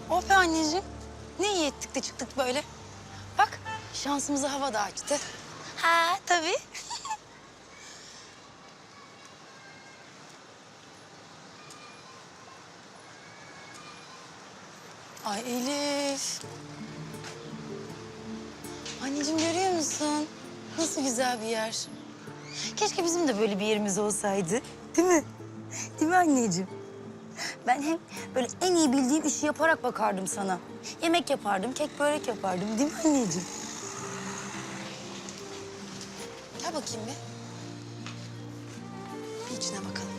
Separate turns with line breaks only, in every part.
Oh be anneciğim. Ne iyi ettik de çıktık böyle. Bak şansımızı hava da açtı. Ha tabii. Ay Elif. Anneciğim görüyor musun? Nasıl güzel bir yer. Keşke bizim de böyle bir yerimiz olsaydı. Değil mi? Değil mi anneciğim? Ben hem böyle en iyi bildiğim işi yaparak bakardım sana. Yemek yapardım, kek börek yapardım. Değil mi anneciğim? Gel bakayım bir. Bir içine bakalım.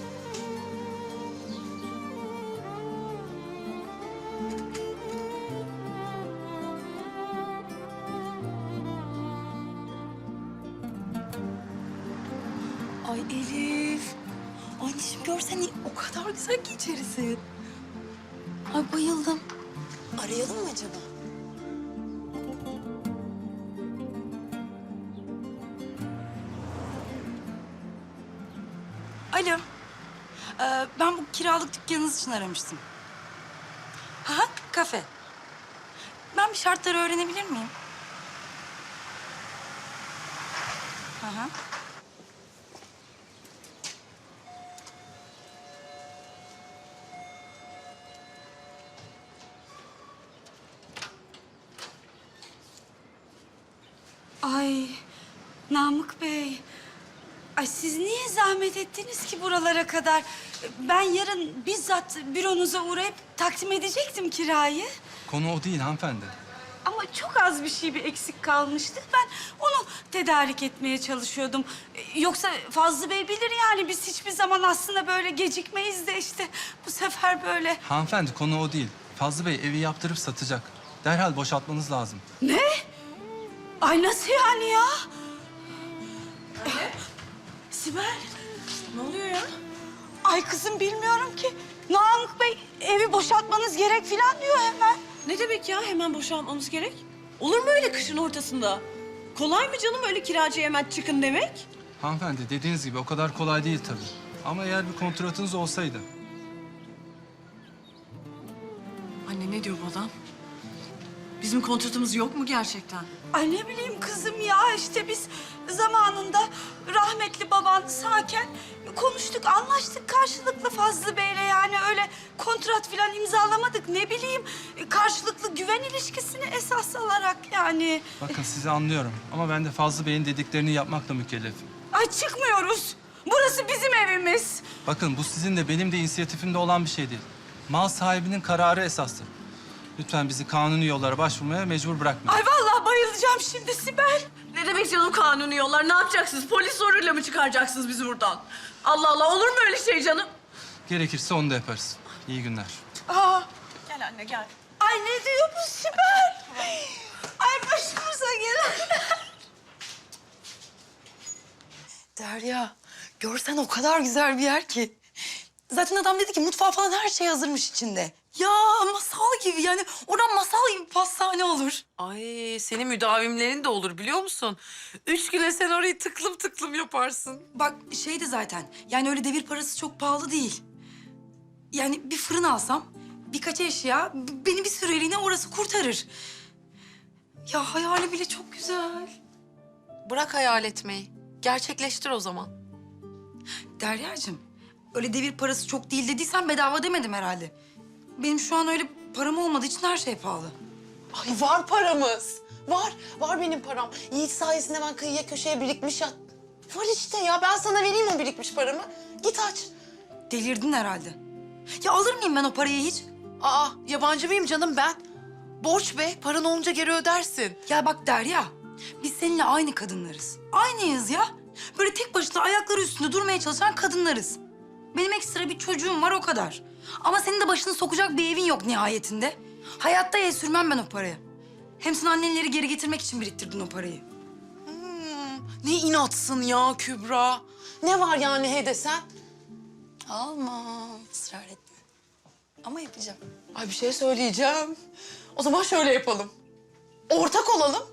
Ay Elif. Anneciğim görsen o kadar güzel ki içerisi. Ay bayıldım. Arayalım mı acaba? Alo. Ben bu kiralık dükkanınız için aramıştım. Ha, kafe. Ben bir şartları öğrenebilir miyim? Hı. Ay Namık Bey. Ay siz niye zahmet ettiniz ki buralara kadar? Ben yarın bizzat büronuza uğrayıp takdim edecektim kirayı.
Konu o değil hanımefendi.
Ama çok az bir eksik kalmıştı. Ben onu tedarik etmeye çalışıyordum. Yoksa Fazlı Bey bilir yani biz hiçbir zaman aslında böyle gecikmeyiz de işte bu sefer böyle.
Hanımefendi konu o değil. Fazlı Bey evi yaptırıp satacak. Derhal boşaltmanız lazım.
Ne? Ay nasıl yani ya? Sibel.
Ne oluyor ya?
Ay kızım bilmiyorum ki. Namık Bey evi boşaltmanız gerek falan diyor hemen.
Ne demek ya hemen boşanmamız gerek? Olur mu öyle kışın ortasında? Kolay mı canım öyle kiracıya hemen çıkın demek?
Hanımefendi dediğiniz gibi o kadar kolay değil tabii. Ama eğer bir kontratınız olsaydı.
Anne ne diyor bu adam? Bizim kontratımız yok mu gerçekten?
Ay ne bileyim kızım ya işte biz zamanında rahmetli baban sağken konuştuk, anlaştık karşılıklı Fazlı Bey'le yani öyle kontrat falan imzalamadık. Ne bileyim karşılıklı güven ilişkisini esas alarak yani.
Bakın sizi anlıyorum ama ben de Fazlı Bey'in dediklerini yapmakla mükellefim.
Ay çıkmıyoruz. Burası bizim evimiz.
Bakın bu sizin de benim de inisiyatifimde olan bir şey değil. Mal sahibinin kararı esastır. Lütfen bizi kanuni yollara başvurmaya mecbur bırakmayın.
Ay vallahi bayılacağım şimdi Sibel.
Ne demek canım kanuni yollar? Ne yapacaksınız? Polis zoruyla mı çıkaracaksınız bizi buradan? Allah Allah olur mu öyle şey canım?
Gerekirse onu da yaparız. İyi günler.
Aa,
Gel anne gel.
ay ne diyor bu Sibel? Ay başımıza gelenler. Derya, görsen o kadar güzel bir yer ki. Zaten adam dedi ki mutfağı falan her şey hazırmış içinde. Ya masal gibi yani oradan masal gibi pastane olur.
Ay senin müdavimlerin de olur biliyor musun? 3 güne sen orayı tıklım tıklım yaparsın.
Bak şey de zaten yani öyle devir parası çok pahalı değil. Yani bir fırın alsam birkaç eşya beni bir süreliğine orası kurtarır. Ya hayali bile çok güzel.
Bırak hayal etmeyi. Gerçekleştir o zaman.
Deryacığım öyle devir parası çok değil dediysen bedava demedim herhalde. Benim şu an öyle param olmadığı için her şey pahalı.
Ay var paramız. Var benim param. Yiğit sayesinde ben kıyıya köşeye birikmiş ya. Var işte ya ben sana vereyim o birikmiş paramı. Git aç.
Delirdin herhalde. Ya alır mıyım ben o parayı hiç?
Aa yabancı mıyım canım ben? Borç be paran olunca geri ödersin.
Ya bak Derya, biz seninle aynı kadınlarız. Aynıyız ya. Böyle tek başına ayakları üstünde durmaya çalışan kadınlarız. Benim ekstra bir çocuğum var o kadar. Ama senin de başını sokacak bir evin yok nihayetinde. Hayatta el sürmem ben o paraya. Hem sen annenleri geri getirmek için biriktirdin o parayı.
Ne inatsın ya Kübra. Ne var yani he desen?
Alma, ısrar etme. Ama yapacağım.
Ay bir şey söyleyeceğim. O zaman şöyle yapalım. Ortak olalım.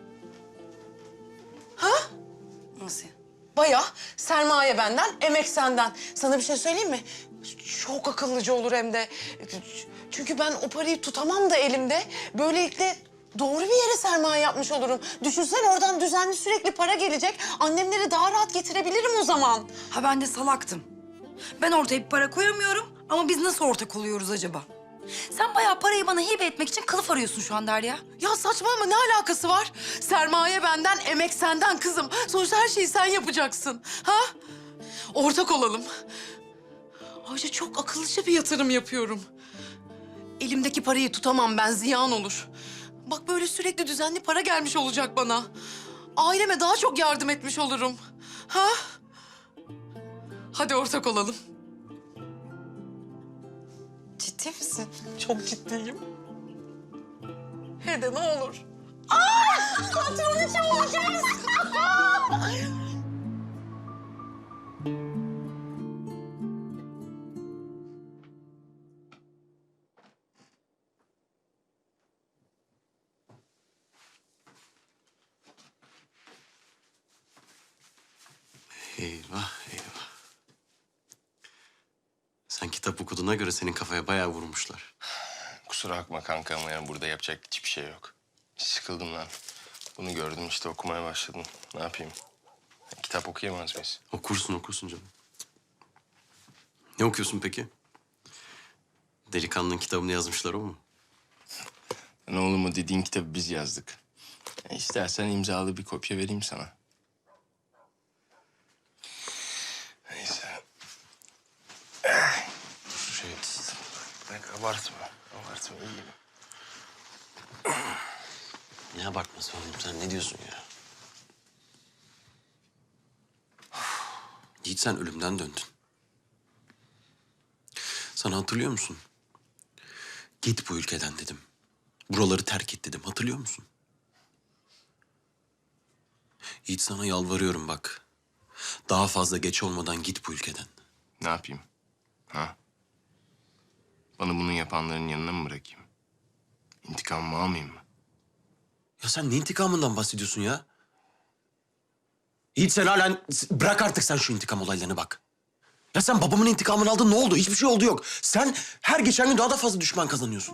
Ha?
Nasıl ya?
Bayağı sermaye benden, emek senden. Sana bir şey söyleyeyim mi? Çok akıllıca olur hem de. Çünkü ben o parayı tutamam da elimde. Böylelikle doğru bir yere sermaye yapmış olurum. Düşünsene oradan düzenli sürekli para gelecek. Annemleri daha rahat getirebilirim o zaman.
Ha ben de salaktım. Ben ortaya bir para koyamıyorum ama biz nasıl ortak oluyoruz acaba? Sen bayağı parayı bana hibe etmek için kılıf arıyorsun şu an Derya.
Ya saçmalama, ne alakası var? Sermaye benden, emek senden kızım. Sonuçta her şeyi sen yapacaksın. Ha? Ortak olalım. Ayrıca çok akıllıca bir yatırım yapıyorum. Elimdeki parayı tutamam ben, ziyan olur. Bak böyle sürekli düzenli para gelmiş olacak bana. Aileme daha çok yardım etmiş olurum. Ha? Hadi ortak olalım. Ciddi misin? Çok ciddiyim. He de ne olur. Patron içi olacağız.
Eyvah eyvah. Sen kitap okuduğuna göre senin kafaya bayağı vurmuşlar.
Kusura bakma kanka ama yani burada yapacak hiçbir şey yok. Sıkıldım lan. Bunu gördüm işte okumaya başladım. Ne yapayım? Kitap okuyamaz mıyız?
Okursun canım. Ne okuyorsun peki? Delikanlının kitabını yazmışlar o mu?
Ne oğlum o dediğin kitabı biz yazdık. İstersen imzalı bir kopya vereyim sana. Neyse. Dur şey... Bak abartma. Abartma iyiyim.
Ne abartması oğlum sen ne diyorsun ya? Yiğit sen ölümden döndün. Sana hatırlıyor musun? Git bu ülkeden dedim. Buraları terk et dedim. Hatırlıyor musun? Yiğit sana yalvarıyorum bak. Daha fazla geç olmadan git bu ülkeden.
Ne yapayım? Ha? Bana bunu yapanların yanına mı bırakayım? İntikamımı almayayım mı?
Ya sen ne intikamından bahsediyorsun ya? Yiğit sen halen... Bırak artık sen şu intikam olaylarını bak. Ya sen babamın intikamını aldın ne oldu? Hiçbir şey oldu yok. Sen her geçen gün daha da fazla düşman kazanıyorsun.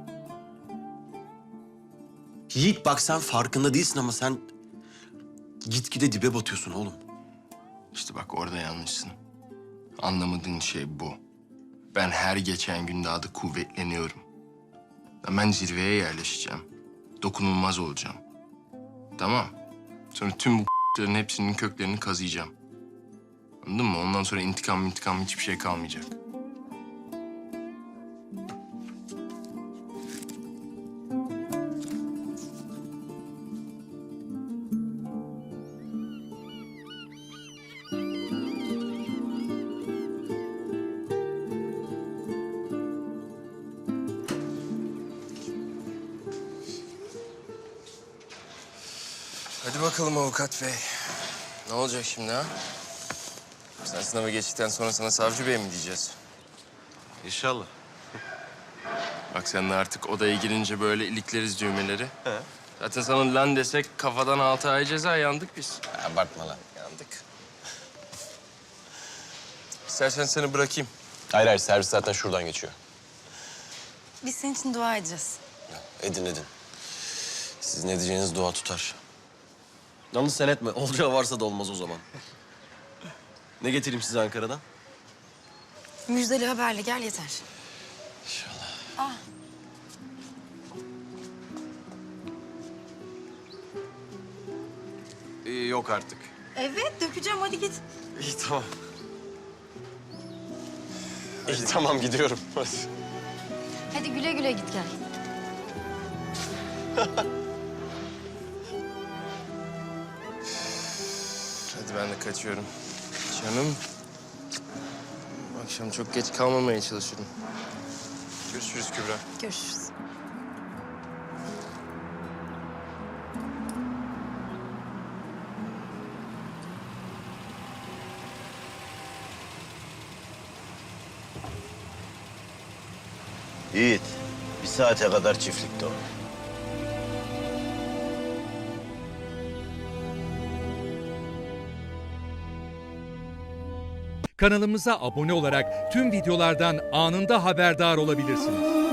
Yiğit bak sen farkında değilsin ama sen... Gitgide dibe batıyorsun oğlum.
İşte bak orada yanlışsın. Anlamadığın şey bu. Ben her geçen gün daha da kuvvetleniyorum. Ben zirveye yerleşeceğim. Dokunulmaz olacağım. Tamam. Sonra tüm bu hepsinin köklerini kazıyacağım. Anladın mı? Ondan sonra intikam hiçbir şey kalmayacak. Hadi bakalım avukat bey. Ne olacak şimdi ha? Sen sınavı geçtikten sonra sana savcı bey mi diyeceğiz?
İnşallah.
Bak sen de artık odaya girince böyle ilikleriz düğmeleri. He. Zaten sana lan desek kafadan 6 ay ceza yandık biz.
Abartma lan.
Yandık. İstersen seni bırakayım.
Hayır servis zaten şuradan geçiyor.
Biz senin için dua edeceğiz.
Edin. Sizin edeceğiniz dua tutar. Yalnız sen etme. Olacağı varsa da olmaz o zaman. Ne getireyim size Ankara'dan?
Müjdeli haberle gel yeter.
İnşallah. Yok artık.
Evet dökeceğim hadi git.
İyi tamam. İyi tamam gidiyorum. Hadi.
Hadi güle güle git gel.
Hadi ben de kaçıyorum. Canım. Akşam çok geç kalmamaya çalışırım. Görüşürüz Kübra.
Görüşürüz.
Yiğit, bir saate kadar çiftlikte ol.
Kanalımıza abone olarak tüm videolardan anında haberdar olabilirsiniz.